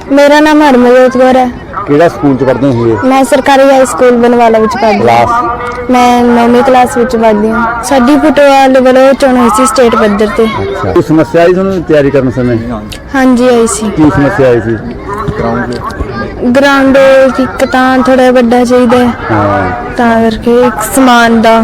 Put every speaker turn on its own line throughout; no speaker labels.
मेरा नाम हरमनजोत कौर है।
ਕਿਹੜਾ ਸਕੂਲ ਚ ਪੜ੍ਹਦੇ ਹੋ?
मैं सरकारी हाई स्कूल बनवाला विच पढ़दी
क्लास?
हूं। मैं 9वीं क्लास विच पढ़दी हूं। साडी फुटबाल वालों चोण होई सी स्टेट पद्धर ते।
अच्छा, कोई समस्या आई ਤੁਹਾਨੂੰ ਤਿਆਰੀ ਕਰਨ ਸਮੇਂ?
हाँ जी आई सी।
ਕੀ ਸਮੱਸਿਆ ਆਈ ਸੀ?
ग्राउंड एक तां थोड़ा बड़ा चाहिए तां करके एक समान दा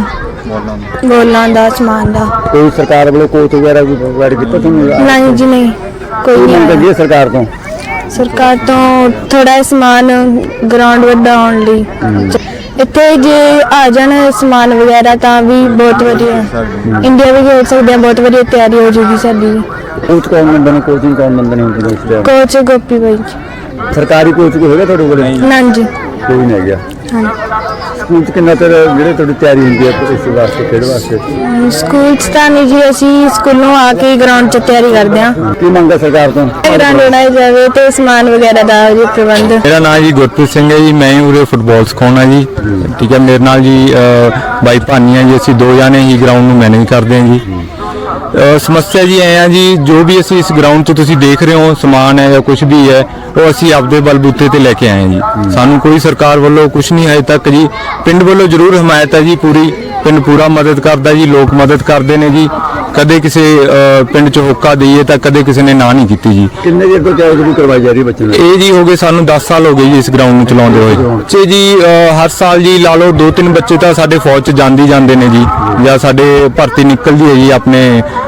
गोलां दा समान दा।
ਕੋਈ ਸਰਕਾਰ ਵੱਲੋਂ ਕੋਚ ਵਗੈਰਾ ਕੋਈ ਪ੍ਰੋਵਾਈਡ ਕੀਤਾ ਤੁਹਾਨੂੰ?
नहीं जी नहीं कोई
ਮੰਗ
नहीं
ਕਰਦੀ
आया।
ਹੈ ਸਰਕਾਰ ਤੋਂ?
सरकार तो थोड़ा समान ग्राउंड वड्डा होने लई इत्थे जे आ जाण समान वगैरह तां भी बहुत वधिया इंडिया भी खेल सकते हैं। बहुत वधिया तैयारी हो जाएगी साडी।
ਕੋਚ ਕੌਣ ਬੰਦੇ ਨੇ? ਕੋਚਿੰਗ ਕੌਣ ਬੰਦੇ ਨੇ ਹੁਣ ਇਸ ਟਾਈਮ?
कोच गोपी भाई
ਸਰਕਾਰੀ ਕੋਚ ਕੋਈ ਹੈਗਾ ਤੁਹਾਡੇ ਕੋਲ?
ना जी
ਕੋਈ ਨਹੀਂ ਹੈਗਾ।
हाँ
ਸਕੂਲ ਚ ਕਿੰਨਾ ਚਿਰ ਜਿਹੜੇ ਤੁਹਾਡੀ ਤਿਆਰੀ ਹੁੰਦੀ ਹੈ ਇਸ ਵਾਸਤੇ ਖੇਡ ਵਾਸਤੇ?
स्कूल च तां नहीं जी असीं स्कूलों आके ग्राउंड च तैयारी करते हैं।
ਕੀ ਮੰਗ ਹੈ ਸਰਕਾਰ ਤੋਂ?
ग्राउंड बनाई जाए तो समान वगैरह दा जी प्रबंध।
मेरा नाम जी गुरप्रीत सिंह है जी। मैं उरे फुटबॉल सिखाना जी। ठीक है, मेरे नाल जी बाई भानी है जी। असीं दो जाने ही ग्राउंड ਨੂੰ मैनेज करते हैं जी। समस्या जी ऐ जी जो भी असीं इस ग्राउंड 'ਚ ਤੁਸੀਂ देख रहे हो समान है या कुछ भी है ਉਹ ਅਸੀਂ ਆਪਦੇ ਬਲਬੂਤੇ ਤੇ ਲੈ ਕੇ ਆਏ ਜੀ। ਸਾਨੂੰ ਕੋਈ ਸਰਕਾਰ ਵੱਲੋਂ ਕੁਝ ਨਹੀਂ ਹਜੇ ਤੱਕ ਜੀ। ਪਿੰਡ ਵੱਲੋਂ ਜ਼ਰੂਰ ਹਮਾਇਤ ਹੈ ਜੀ ਪੂਰੀ। ਪਿੰਡ ਪੂਰਾ ਮਦਦ ਕਰਦਾ ਜੀ। ਲੋਕ ਮਦਦ ਕਰਦੇ ਨੇ ਜੀ। ਕਦੇ ਕਿਸੇ ਪਿੰਡ 'ਚ ਹੋਕਾ ਦਈਏ ਤਾਂ ਕਦੇ ਕਿਸੇ ਨੇ ਨਾ ਨਹੀਂ ਕੀਤੀ ਜੀ।
ਕਿੰਨੇ ਚਿਰ ਤੋਂ ਤਿਆਰੀ ਕਰਵਾਈ ਜਾ ਰਹੀ ਹੈ ਬੱਚਿਆਂ ਨੂੰ?
ਇਹ ਜੀ ਹੋ ਗਏ ਸਾਨੂੰ 10 ਸਾਲ ਹੋ ਗਏ ਜੀ ਇਸ ਗਰਾਊਂਡ ਨੂੰ ਚਲਾਉਂਦੇ ਹੋਏ। ਬੱਚੇ ਜੀ ਹਰ ਸਾਲ ਜੀ ਲਾ ਲਓ 2-3 ਬੱਚੇ ਤਾਂ ਸਾਡੇ ਫੌਜ 'ਚ ਜਾਂਦੇ ਨੇ ਜੀ ਜਾਂ ਸਾਡੇ ਭਰਤੀ ਨਿਕਲਦੀ ਹੈ ਜੀ ਆਪਣੇ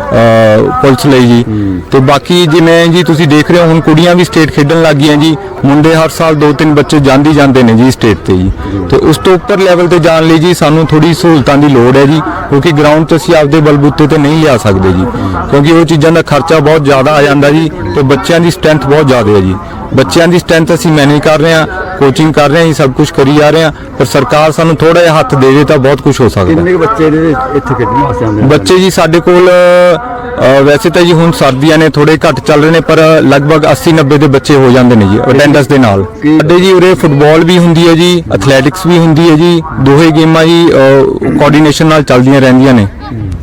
ਪੁਲਿਸ ਲਈ ਜੀ। ਤੇ ਬਾਕੀ ਜਿਵੇਂ ਜੀ ਤੁਸੀਂ ਦੇਖ ਰਹੇ ਹੋ ਹੁਣ ਕੁੜੀਆਂ ਵੀ ਸਟੇਟ ਖੇਡਣ ਲੱਗ ਗਈਆਂ ਜੀ। ਮੁੰਡੇ ਹਰ ਸਾਲ 2-3 ਬੱਚੇ ਜਾਂਦੇ ਨੇ ਜੀ ਸਟੇਟ ਤੇ ਜੀ। ਤੇ ਉਸ ਤੋਂ ਉੱਪਰ ਲੈਵਲ ਤੇ ਜਾਣ ਲਈ ਜੀ ਸਾਨੂੰ ਥੋੜੀ ਸਹੂਲਤਾਂ ਦੀ ਲੋੜ ਹੈ ਜੀ ਕਿਉਂਕਿ ਗਰਾਊਂਡ 'ਤੇ ਅਸੀਂ ਆਪਦੇ ਬਲਬੂਤੇ ਤੇ ਨਹੀਂ ਲਿਆ ਸਕਦੇ ਜੀ ਕਿਉਂਕਿ ਉਹ ਚੀਜ਼ਾਂ ਦਾ ਖਰਚਾ ਬਹੁਤ ਜ਼ਿਆਦਾ ਆ ਜਾਂਦਾ ਜੀ ਤੇ ਬੱਚਿਆਂ ਦੀ ਸਟਰੈਂਥ ਬਹੁਤ ਜ਼ਿਆਦਾ ਹੈ ਜੀ। ਬੱਚਿਆਂ ਦੀ ਸਟਰੈਂਥ ਅਸੀਂ ਮੈਨੇਜ ਕਰ ਰਹੇ ਹਾਂ, ਕੋਚਿੰਗ ਕਰ ਰਹੇ ਹਾਂ, ਇਹ ਸਭ ਕੁਝ ਕਰੀ ਜਾ ਰਹੇ ਹਾਂ ਪਰ ਸਰਕਾਰ ਸਾਨੂੰ ਥੋੜਾ ਜਿਹਾ ਹੱਥ ਦੇ ਦੇ ਤਾਂ ਬਹੁਤ ਕੁਝ ਹੋ ਸਕਦਾ।
ਕਿੰਨੇ ਬੱਚੇ ਇੱਥੇ ਖੇਡਣ ਵਾਸਤੇ ਆਉਂਦੇ ਨੇ?
ਬੱਚੇ ਜੀ ਸਾਡੇ ਕੋਲ ਵੈਸੇ ਤਾਂ ਜੀ ਹੁਣ ਸਰਦੀਆਂ ਨੇ ਥੋੜੇ ਘੱਟ ਚੱਲ ਰਹੇ ਨੇ ਪਰ ਲਗਭਗ 80-90 ਦੇ ਬੱਚੇ ਹੋ ਜਾਂਦੇ ਨੇ ਜੀ ਅਟੈਂਡੈਂਸ ਦੇ ਨਾਲ। ਸਾਡੇ ਜੀ ਉਰੇ ਫੁੱਟਬਾਲ ਵੀ ਹੁੰਦੀ ਹੈ ਜੀ, ਐਥਲੈਟਿਕਸ ਵੀ ਹੁੰਦੀ ਹੈ ਜੀ। ਦੋਹੇ ਗੇਮਾਂ ਜੀ ਕੋਆਰਡੀਨੇਸ਼ਨ ਨਾਲ ਚੱਲਦੀਆਂ ਰਹਿੰਦੀਆਂ ਨੇ।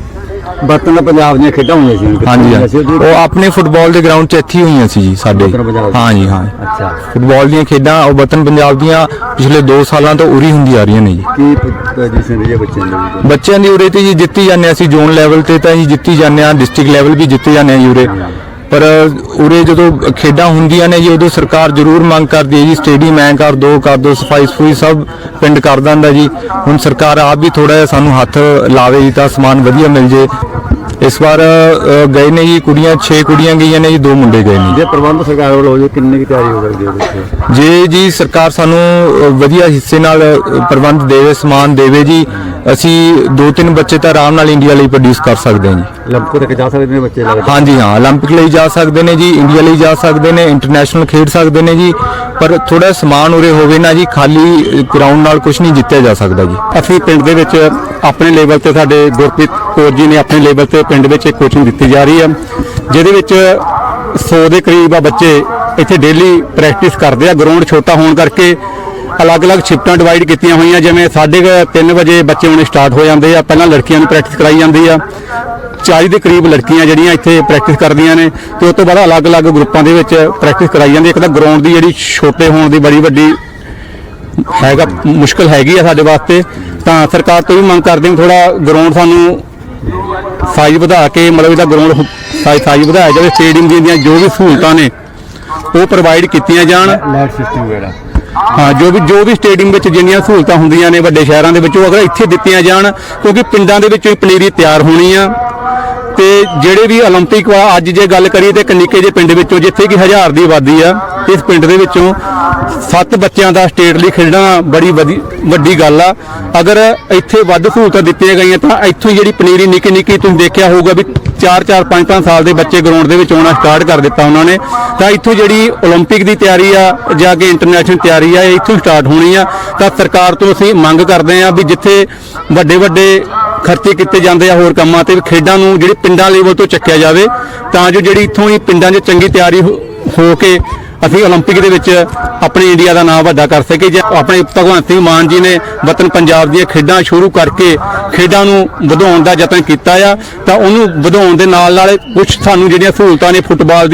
ਬਰਤਨ ਪੰਜਾਬ ਦੀਆਂ ਖੇਡਾਂ ਹੋਈਆਂ ਸੀ?
ਹਾਂਜੀ ਉਹ ਆਪਣੇ ਫੁੱਟਬਾਲ ਦੇ ਗਰਾਊਂਡ 'ਚ ਇੱਥੇ ਹੀ ਹੋਈਆਂ ਸੀ ਜੀ ਸਾਡੇ। ਹਾਂ ਜੀ ਹਾਂ।
ਅੱਛਾ,
ਫੁੱਟਬਾਲ ਦੀਆਂ ਖੇਡਾਂ ਉਹ ਵਤਨ ਪੰਜਾਬ ਦੀਆਂ ਪਿਛਲੇ 2 ਸਾਲਾਂ ਤੋਂ ਉਰੀ ਹੁੰਦੀ ਆ ਰਹੀਆਂ ਨੇ ਜੀ।
ਕੀ ਪੋਜੀਸ਼ਨ ਰਹੀ ਹੈ ਬੱਚਿਆਂ ਦੀ?
ਬੱਚਿਆਂ ਦੀ ਉਰੇ ਤੇ ਜੀ ਜਿੱਤੀ ਜਾਂਦੇ ਹਾਂ ਅਸੀਂ ਜ਼ੋਨ ਲੈਵਲ ਤੇ ਤਾਂ ਜੀ ਜਿੱਤੀ ਜਾਂਦੇ ਹਾਂ, ਡਿਸਟ੍ਰਿਕਟ ਲੈਵਲ ਵੀ ਜਿੱਤੇ ਜਾਂਦੇ ਹਾਂ ਜੀ ਉਰੇ। ਪਰ ਉਰੇ ਜਦੋਂ ਖੇਡਾਂ ਹੁੰਦੀਆਂ ਨੇ ਜੀ ਉਦੋਂ ਸਰਕਾਰ ਜ਼ਰੂਰ ਮੰਗ ਕਰਦੀ ਹੈ ਜੀ ਸਟੇਡੀਅਮ ਐਂ ਕਰ ਦੋ ਸਫਾਈ ਸਫੂਈ ਸਭ ਪਿੰਡ ਕਰ ਦਿੰਦਾ ਜੀ। ਹੁਣ ਸਰਕਾਰ ਆਪ ਵੀ ਥੋੜਾ ਜਿਹਾ ਸਾਨੂੰ ਹੱਥ ਲਾਵੇ ਜੀ ਤਾਂ ਸਮਾਨ ਵਧੀਆ ਮਿਲ ਜੇ। ਇਸ ਵਾਰ ਗਏ ਨੇ ਜੀ ਕੁੜੀਆਂ 6 ਕੁੜੀਆਂ ਗਈਆਂ ਨੇ ਜੀ 2 ਮੁੰਡੇ ਗਏ ਨੇ।
ਜੇ ਪ੍ਰਬੰਧ ਸਰਕਾਰ ਵੱਲੋਂ ਹੋ ਜਾਏ ਕਿੰਨੀ ਕੀ ਤਿਆਰੀ ਹੋ ਸਕਦੀ ਹੈ ਬੱਚੇ? ਜੇ
ਜੀ ਸਰਕਾਰ ਸਾਨੂੰ ਵਧੀਆ ਹਿੱਸੇ ਨਾਲ ਪ੍ਰਬੰਧ ਦੇਵੇ, ਸਮਾਨ ਦੇਵੇ ਜੀ, ਅਸੀਂ 2-3 ਬੱਚੇ ਤਾਂ ਆਰਾਮ ਨਾਲ ਇੰਡੀਆ ਲਈ ਪ੍ਰੋਡਿਊਸ ਕਰ ਸਕਦੇ ਹਾਂ ਜੀ।
올림픽 ਤੱਕ ਜਾ ਸਕਦੇ ਨੇ ਬੱਚੇ ਲੱਗਦਾ?
ਹਾਂਜੀ ਹਾਂ, 올림픽 ਲਈ ਜਾ ਸਕਦੇ ਨੇ ਜੀ, ਇੰਡੀਆ ਲਈ ਜਾ ਸਕਦੇ ਨੇ, ਇੰਟਰਨੈਸ਼ਨਲ ਖੇਡ ਸਕਦੇ ਨੇ ਜੀ ਪਰ ਥੋੜਾ ਸਮਾਨ ਉਰੇ ਹੋਵੇ ਨਾ ਜੀ। ਖਾਲੀ ਗਰਾਊਂਡ ਨਾਲ ਕੁਝ ਨਹੀਂ ਜਿੱਤਿਆ ਜਾ ਸਕਦਾ ਜੀ।
ਅਸੀਂ ਪਿੰਡ ਦੇ ਵਿੱਚ ਆਪਣੇ ਲੈਵਲ ਤੇ ਸਾਡੇ ਗੁਰਪ੍ਰੀਤ ਕੌਰ ਜੀ ਨੇ ਆਪਣੇ ਲੈਵਲ ਤੇ ਪਿੰਡ ਵਿੱਚ ਇੱਕ ਕੋਚਿੰਗ ਦਿੱਤੀ ਜਾ ਰਹੀ ਹੈ ਜਿਹਦੇ ਵਿੱਚ 100 ਦੇ ਕਰੀਬ ਬੱਚੇ ਇੱਥੇ ਡੇਲੀ ਪ੍ਰੈਕਟਿਸ ਕਰਦੇ ਆ। ਗਰਾਊਂਡ ਛੋਟਾ ਹੋਣ ਕਰਕੇ ਅਲੱਗ-ਅਲੱਗ ਸ਼ਿਫਟਾਂ ਡਿਵਾਈਡ ਕੀਤੀਆਂ ਹੋਈਆਂ। ਜਿਵੇਂ 3:30 ਵਜੇ ਬੱਚੇ ਆਉਣੇ ਸਟਾਰਟ ਹੋ ਜਾਂਦੇ ਆ। ਪਹਿਲਾਂ ਲੜਕੀਆਂ ਨੂੰ ਪ੍ਰੈਕਟਿਸ ਕਰਾਈ ਜਾਂਦੀ ਆ। 40 ਦੇ ਕਰੀਬ ਲੜਕੀਆਂ ਜਿਹੜੀਆਂ ਇੱਥੇ ਪ੍ਰੈਕਟਿਸ ਕਰਦੀਆਂ ਨੇ ਤੇ ਉਸ ਤੋਂ ਬਾਅਦ ਅਲੱਗ-ਅਲੱਗ ਗਰੁੱਪਾਂ ਦੇ ਵਿੱਚ ਪ੍ਰੈਕਟਿਸ ਕਰਾਈ ਜਾਂਦੀ। ਇੱਕ ਤਾਂ ਗਰਾਊਂਡ ਦੀ ਜਿਹੜੀ ਛੋਟੇ ਹੋਣ ਦੀ ਬੜੀ ਵੱਡੀ ਹੈਗਾ ਮੁਸ਼ਕਲ ਹੈਗੀ ਆ ਸਾਡੇ ਵਾਸਤੇ ਤਾਂ ਸਰਕਾਰ ਤੋਂ ਵੀ ਮੰਗ ਕਰਦੇ ਹਾਂ ਥੋੜਾ ਗਰਾਊਂਡ ਸਾਨੂੰ ਸਾਈਜ਼ ਵਧਾ ਕੇ ਮਤਲਬ ਇਹਦਾ ਗਰਾਊਂਡ ਸਾਈਜ਼ ਵਧਾਇਆ ਜਾਵੇ। ਸਟੇਡੀਅਮ ਦੀਆਂ ਜੋ ਵੀ ਸਹੂਲਤਾਂ ਨੇ ਉਹ ਪ੍ਰੋਵਾਈਡ ਕੀਤੀਆਂ ਜਾਣ।
ਲਾਈਟ ਸਿਸਟਮ ਵਗੈਰਾ
ਹਾਂ ਜੋ ਵੀ ਸਟੇਡੀਅਮ ਵਿੱਚ ਜਿੰਨੀਆਂ ਸਹੂਲਤਾਂ ਹੁੰਦੀਆਂ ਨੇ ਵੱਡੇ ਸ਼ਹਿਰਾਂ ਦੇ ਵਿੱਚ ਉਹ ਅਗਰ ਇੱਥੇ ਦਿੱਤੀਆਂ ਜਾਣ ਕਿਉਂਕਿ ਪਿੰਡਾਂ ਦੇ ਵਿੱਚੋਂ ਪਨੀਰੀ ਤਿਆਰ ਹੋਣੀ ਆ। ਤੇ ਜਿਹੜੇ ਵੀ 올림픽 ਅੱਜ ਜੇ ਗੱਲ ਕਰੀਏ ਤੇ ਨਿੱਕੇ ਜਿਹੇ ਪਿੰਡ ਵਿੱਚੋਂ ਜਿੱਥੇ ਕਿ 1000 ਦੀ ਆਬਾਦੀ ਆ ਇਸ ਪਿੰਡ ਦੇ ਵਿੱਚੋਂ 7 ਬੱਚਿਆਂ ਦਾ ਸਟੇਟ ਲਈ ਖੇਡਣਾ ਬੜੀ ਵੱਡੀ ਗੱਲ ਆ। ਅਗਰ ਇੱਥੇ ਵੱਧ ਸਹੂਲਤਾਂ ਦਿੱਤੀਆਂ ਗਈਆਂ ਤਾਂ ਇੱਥੋਂ ਜਿਹੜੀ ਪਨੀਰੀ ਨਿੱਕੀ ਤੁਸੀਂ ਦੇਖਿਆ ਹੋਊਗਾ ਵੀ 4-4 5-5 ਸਾਲ ਦੇ ਬੱਚੇ ਗਰਾਊਂਡ ਦੇ ਵਿੱਚ ਆਉਣਾ ਸਟਾਰਟ ਕਰ ਦਿੱਤਾ ਉਹਨਾਂ ਨੇ। ਤਾਂ ਇੱਥੋਂ ਜਿਹੜੀ 올림픽 ਦੀ ਤਿਆਰੀ ਆ ਜਾਂ ਕਿ ਇੰਟਰਨੈਸ਼ਨਲ ਤਿਆਰੀ ਆ ਇਹ ਇੱਥੋਂ ਸਟਾਰਟ ਹੋਣੀ ਆ। ਤਾਂ ਸਰਕਾਰ ਤੋਂ ਅਸੀਂ ਮੰਗ ਕਰਦੇ ਆ ਵੀ ਜਿੱਥੇ ਵੱਡੇ ਖਰਚੇ ਕੀਤੇ ਜਾਂਦੇ ਆ ਹੋਰ ਕੰਮਾਂ ਤੇ ਖੇਡਾਂ ਨੂੰ ਜਿਹੜੀ ਪਿੰਡਾਂ ਲੈਵਲ ਤੋਂ ਚੱਕਿਆ ਜਾਵੇ ਤਾਂ ਜੋ ਜਿਹੜੀ ਇੱਥੋਂ ਹੀ ਪਿੰਡਾਂ 'ਚ ਚੰਗੀ ਤਿਆਰੀ ਹੋ ਕੇ ਅਸੀਂ 올림픽 ਦੇ ਵਿੱਚ ਆਪਣੇ ਇੰਡੀਆ ਦਾ ਨਾਮ ਵੱਡਾ ਕਰ ਸਕੇ। ਜੇ ਆਪਣੇ ਭਗਵੰਤ ਸਿੰਘ ਮਾਨ ਜੀ ਨੇ ਵਤਨ ਪੰਜਾਬ ਦੀਆਂ ਖੇਡਾਂ ਸ਼ੁਰੂ ਕਰਕੇ ਖੇਡਾਂ ਨੂੰ ਵਧਾਉਣ ਦਾ ਯਤਨ ਕੀਤਾ ਆ ਤਾਂ ਉਹਨੂੰ ਵਧਾਉਣ ਦੇ ਨਾਲ ਕੁਝ ਸਾਨੂੰ ਜਿਹੜੀਆਂ ਸਹੂਲਤਾਂ ਨੇ ਫੁੱਟਬਾਲ ਦੀ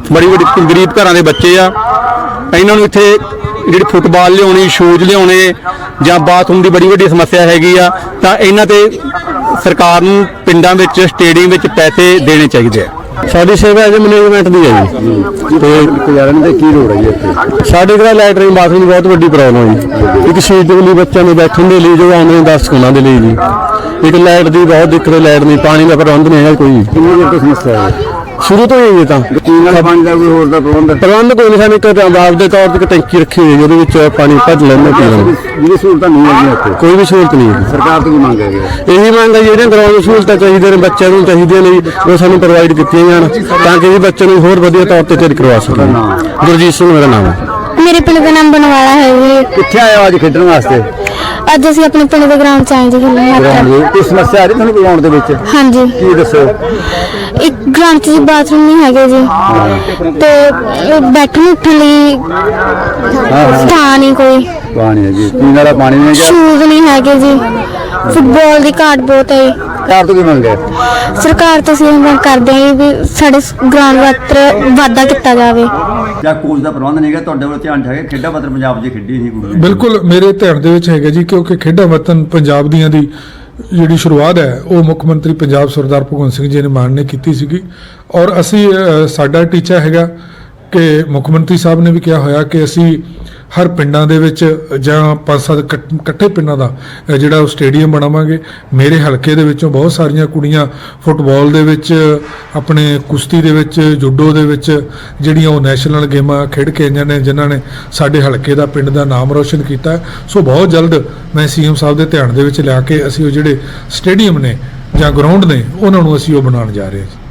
ਬੜੀ ਗਰੀਬ ਘਰਾਂ ਦੇ ਬੱਚੇ ਆ, ਇਹਨਾਂ ਨੂੰ ਇੱਥੇ ਜਿਹੜੀ ਫੁੱਟਬਾਲ ਲਿਆਉਣੀ, ਸ਼ੂਜ਼ ਲਿਆਉਣੇ ਜਾਂ ਬਾਥਰੂਮ ਦੀ ਬੜੀ ਵੱਡੀ ਸਮੱਸਿਆ ਹੈਗੀ ਆ, ਤਾਂ ਇਹਨਾਂ ਤੇ ਸਰਕਾਰ ਨੂੰ ਪਿੰਡਾਂ ਵਿੱਚ ਸਟੇਡੀਅਮ ਵਿੱਚ ਪੈਸੇ ਦੇਣੇ ਚਾਹੀਦੇ ਆ।
ਸਾਡੀ ਸੇਵਾ ਐਜ ਮੈਨੇਜਮੈਂਟ ਦੀ ਹੈ ਜੀ,
ਤੇ ਗੁਜ਼ਾਰਨ ਦੇ ਕੀ ਲੋੜ ਹੈ ਜੀ ਇੱਥੇ?
ਸਾਡੇ ਕੋਲ ਲੈਟਰਿੰਗ ਬਾਥਰੂਮ ਦੀ ਬਹੁਤ ਵੱਡੀ ਪ੍ਰੋਬਲਮ ਹੈ ਜੀ। ਇੱਕ ਸੀਟ ਦੇ ਲਈ ਬੱਚਿਆਂ ਨੂੰ ਬੈਠਣ ਦੇ ਲਈ ਜੋ ਆਉਂਦੇ ਨੇ 10 ਉਹਨਾਂ ਦੇ ਲਈ ਜੀ। ਇੱਕ ਲਾਈਟ ਦੀ ਬਹੁਤ ਦਿੱਕਤ ਹੈ, ਲਾਈਟ ਨਹੀਂ, ਪਾਣੀ ਦਾ ਪ੍ਰਬੰਧ ਨਹੀਂ ਹੈਗਾ ਕੋਈ।
ਕਿੰਨੀ ਦੇਰ ਤੋਂ ਸਮੱਸਿਆ ਹੈ?
ਸ਼ੁਰੂ ਤੋਂ ਹੀ ਇਹ ਤਾਂ
ਪੀਣ ਵਾਲੇ ਪਾਣੀ ਦਾ ਕੋਈ ਹੋਰ ਦਾ ਪ੍ਰਬੰਧ?
ਪ੍ਰਬੰਧ ਕੋਈ ਨਹੀਂ, ਸਾਨੂੰ ਇੱਕ ਆਵਾਜ਼ ਦੇ ਤੌਰ ਤੇ ਇੱਕ ਟੈਂਕੀ ਰੱਖੀ ਹੋਈ ਹੈ ਉਹਦੇ ਵਿੱਚ ਪਾਣੀ ਭਰ ਲੈਂਦੇ ਪੀ ਲੈਂਦੇ।
ਜਿਹੜੀ ਸਹੂਲਤਾਂ ਨਹੀਂ ਹੈਗੀਆਂ ਇੱਥੇ,
ਕੋਈ ਵੀ ਸਹੂਲਤ ਨਹੀਂ ਹੈ।
ਸਰਕਾਰ ਤੋਂ ਕੀ ਮੰਗ ਹੈਗੀ?
ਇਹੀ ਮੰਗ ਹੈ ਜਿਹੜੀਆਂ ਗਰਾਊਂਡ ਸਹੂਲਤਾਂ ਚਾਹੀਦੀਆਂ ਨੇ ਬੱਚਿਆਂ ਨੂੰ ਚਾਹੀਦੀਆਂ ਨੇ ਜੀ, ਉਹ ਸਾਨੂੰ ਪ੍ਰੋਵਾਈਡ ਕੀਤੀਆਂ ਜਾਣ ਤਾਂ ਕਿ ਜੀ ਬੱਚੇ ਨੂੰ ਹੋਰ ਵਧੀਆ ਤੌਰ ਤੇ ਤਿਆਰ ਕਰਵਾ ਸਕਣ। ਗੁਰਜੀਤ ਸਿੰਘ ਮੇਰਾ ਨਾਮ ਹੈ।
ਮੇਰੇ ਪਿੰਡ ਦਾ ਨਾਮ ਬਣਵਾਲਾ ਹੈ ਜੀ।
ਕਿੱਥੇ ਆਏ ਹੋ ਅੱਜ ਖੇਡਣ ਵਾਸਤੇ?
ਅੱਜ ਅਸੀਂ ਆਪਣੇ ਪਿੰਡ ਦੇ ਗਰਾਊਂਡ 'ਚ ਆਏ ਜੀ ਖੇਡਣ ਵਾਸਤੇ।
ਕੋਈ ਸਮੱਸਿਆ ਆ ਰਹੀ ਤੁਹਾਨੂੰ ਗਰਾਊਂਡ ਦੇ ਵਿੱਚ?
ਹਾਂਜੀ,
ਕੀ ਦੱਸੋ?
ਇੱਕ ਗਰਾਊਂਡ 'ਚ ਬਾਥਰੂਮ ਨਹੀਂ ਹੈਗੇ ਜੀ, ਤੇ ਬੈਠਣ ਉੱਠਣ ਲਈ ਸਥਾਨ ਨਹੀਂ ਕੋਈ,
ਪਾਣੀ ਹੈ ਜੀ, ਪੀਣ ਵਾਲਾ ਪਾਣੀ ਨਹੀਂ ਹੈਗਾ,
ਸ਼ੂਜ਼ ਨਹੀਂ ਹੈਗੇ ਜੀ, ਫੁੱਟਬਾਲ ਦੀ ਘਾਟ ਬਹੁਤ ਹੈ।
ਸਰਕਾਰ ਤੋਂ ਕੀ ਮੰਗ ਹੈ?
ਸਰਕਾਰ ਤੋਂ ਅਸੀਂ ਇਹ ਮੰਗ ਕਰਦੇ ਹਾਂ ਵੀ ਸਾਡੇ ਗਰਾਊਂਡ ਵਾਸਤੇ ਵਾਧਾ ਕੀਤਾ ਜਾਵੇ।
ਜਾਂ ਕੋਚ ਦਾ ਪ੍ਰਬੰਧ ਨਹੀਂ ਹੈਗਾ ਤੁਹਾਡੇ ਵੱਲ ਧਿਆਨ ਚ ਹੈਗਾ? ਖੇਡਾਂ ਵਤਨ ਪੰਜਾਬ 'ਚ ਖੇਡੀ ਸੀ ਕੁੜੀ?
ਬਿਲਕੁਲ ਮੇਰੇ ਧਿਆਨ ਦੇ ਵਿੱਚ ਹੈਗਾ ਜੀ, ਕਿਉਂਕਿ ਖੇਡਾਂ ਵਤਨ ਪੰਜਾਬ ਦੀਆਂ ਦੀ ਜਿਹੜੀ ਸ਼ੁਰੂਆਤ ਹੈ ਉਹ ਮੁੱਖ ਮੰਤਰੀ ਪੰਜਾਬ ਸਰਦਾਰ ਭਗਵੰਤ ਸਿੰਘ ਜੀ ਨੇ ਮਾਨ ਨੇ ਕੀਤੀ ਸੀਗੀ, ਔਰ ਅਸੀਂ ਸਾਡਾ ਟੀਚਾ ਹੈਗਾ ਕਿ ਮੁੱਖ ਮੰਤਰੀ ਸਾਹਿਬ ਨੇ ਵੀ ਕਿਹਾ ਹੋਇਆ ਕਿ ਅਸੀਂ ਹਰ ਪਿੰਡਾਂ ਦੇ ਵਿੱਚ ਜਾਂ 5-7 ਇਕੱਠੇ ਪਿੰਡਾਂ ਦਾ ਜਿਹੜਾ ਉਹ ਸਟੇਡੀਅਮ ਬਣਾਵਾਂਗੇ। ਮੇਰੇ ਹਲਕੇ ਦੇ ਵਿੱਚੋਂ ਬਹੁਤ ਸਾਰੀਆਂ ਕੁੜੀਆਂ ਫੁੱਟਬਾਲ ਦੇ ਵਿੱਚ, ਆਪਣੇ ਕੁਸ਼ਤੀ ਦੇ ਵਿੱਚ, ਜੂਡੋ ਦੇ ਵਿੱਚ ਜਿਹੜੀਆਂ ਉਹ ਨੈਸ਼ਨਲ ਗੇਮਾਂ ਖੇਡ ਕੇ ਆਈਆਂ ਨੇ, ਜਿਨ੍ਹਾਂ ਨੇ ਸਾਡੇ ਹਲਕੇ ਦਾ, ਪਿੰਡ ਦਾ ਨਾਮ ਰੋਸ਼ਨ ਕੀਤਾ। ਸੋ ਬਹੁਤ ਜਲਦ ਮੈਂ ਸੀਐਮ ਸਾਹਿਬ ਦੇ ਧਿਆਨ ਦੇ ਵਿੱਚ ਲਿਆ ਕੇ ਅਸੀਂ ਉਹ ਜਿਹੜੇ ਸਟੇਡੀਅਮ ਨੇ ਜਾਂ ਗਰਾਊਂਡ ਨੇ ਉਹਨਾਂ ਨੂੰ ਅਸੀਂ ਉਹ ਬਣਾਉਣ ਜਾ ਰਹੇ ਹਾਂ।